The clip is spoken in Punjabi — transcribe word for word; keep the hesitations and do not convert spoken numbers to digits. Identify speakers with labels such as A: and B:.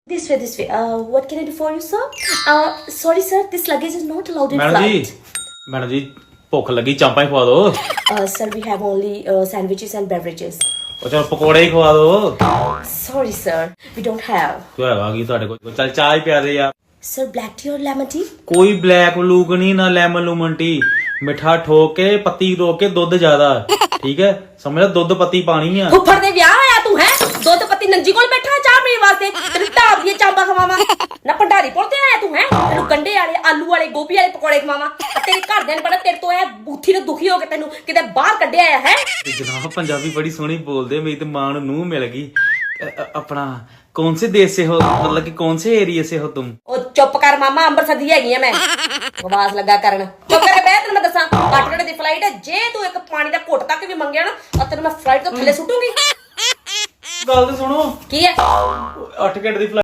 A: This way, this way. Uh, what can I do for you, sir? Uh, sorry, sir. This luggage is not allowed in
B: madam ji
A: flight.
B: Madam ji ਭੁੱਖ ਲੱਗੀ ਚਾਂਪਾਂ ਹੀ ਖਵਾ ਦਿਓ
A: Uh, sir, we have only uh, sandwiches and beverages.
B: ਉਹ ਚਲ ਪਕੌੜੇ ਹੀ ਖਵਾ ਦਿਓ
A: Sorry, sir. We don't have.
B: ਕਿਉਂ ਹੈਗਾ ਕੀ ਤੁਹਾਡੇ ਕੋਲ ਚੱਲ ਚਾਹ ਹੀ ਪਿਆ ਦੇ ਯਾਰ
A: Sir, black tea or lemon tea?
B: ਕੋਈ ਬਲੈਕ ਲੂਕ ਨਹੀਂ ਨਾ ਲੈਮਨ ਲੂਮਨ ਟੀ ਮਿੱਠਾ ਠੋਕ ਕੇ ਪੱਤੀ ਰੋਕ ਕੇ ਦੁੱਧ ਜ਼ਿਆਦਾ ਠੀਕ ਹੈ ਸਮਝ ਲੈ ਦੁੱਧ ਪੱਤੀ ਪਾਣੀ ਆ
A: ਫੁੱਫੜ ਦੇ ਵਿਆਹ ਹੋਇਆ ਤੂੰ ਹੈ ਦੁੱਧ ਪੱਤੀ ਨੰਜੀ ਕੋਲ ਬੈਠਾ ਚਾਹ ਪੀਣ ਵਾਸਤੇ ਤੈਨੂੰ ਢਾਬ ਦੀਆਂ ਚਾਂਪਾਂ ਖਵਾਵਾਂ ਨਾ ਭੰਡਾਰੀ ਪੁਰ ਤੇ ਆਇਆ ਤੂੰ ਹੈ ਤੈਨੂੰ ਗੰਡੇ ਵਾਲੇ ਆਲੂ ਵਾਲੇ ਗੋਭੀ ਵਾਲੇ ਪਕੌੜੇ ਖਵਾਵਾਂ ਆ ਤੇਰੇ ਘਰਦਿਆਂ ਨੇ ਬੜਾ ਤੇਰੇ ਤੋਂ ਇਹ ਬੂਥੀ ਨੂੰ ਦੁਖੀ ਹੋ ਕੇ ਤੈਨੂੰ ਕਿਤੇ ਬਾਹਰ ਕੱਢਿਆ ਆ ਹੈ
B: ਤੇ ਜਨਾਬ ਪੰਜਾਬੀ ਬੜੀ ਸੋਹਣੀ ਬੋਲਦੇ ਮੇਰੀ ਤੇ ਮਾਂ ਨੂੰ ਨੂੰਹ ਮਿਲ ਗਈ ਅ- ਅ- ਆਪਣਾ ਕੌਣ ਸੇ ਦੇਸ਼ ਸੇ ਹੋ मतलब कि कौन से एरिया से हो तुम
A: ਉਹ ਚੁੱਪ ਕਰ ਮਾਮਾ ਅੰਮ੍ਰਿਤਸਰ ਦੀ ਹੈਗੀ ਆ ਮੈਂ ਆਵਾਜ਼ ਲੱਗਾ ਕਰਨ ਚੁੱਪ ਕਰਕੇ ਬਹਿ ਤੈਨੂੰ ਮੈਂ ਦੱਸਾਂ ਅੱਠ ਘੰਟੇ ਦੀ ਫਲਾਈਟ ਹੈ ਜੇ ਤੂੰ ਇੱਕ ਪਾਣੀ ਦਾ ਘੁੱਟ ਤੱਕ ਵੀ ਮੰਗਿਆ ਨਾ ਆ ਤੈਨੂੰ ਮੈਂ ਫਲਾਈਟ ਤੋਂ ਥੱਲੇ ਸੁੱਟੂਗੀ
B: ਗੱਲ ਤੇ ਸੁਣੋ
A: ਕੀ ਹੈ
B: ਅੱਠ ਘੰਟੇ ਦੀ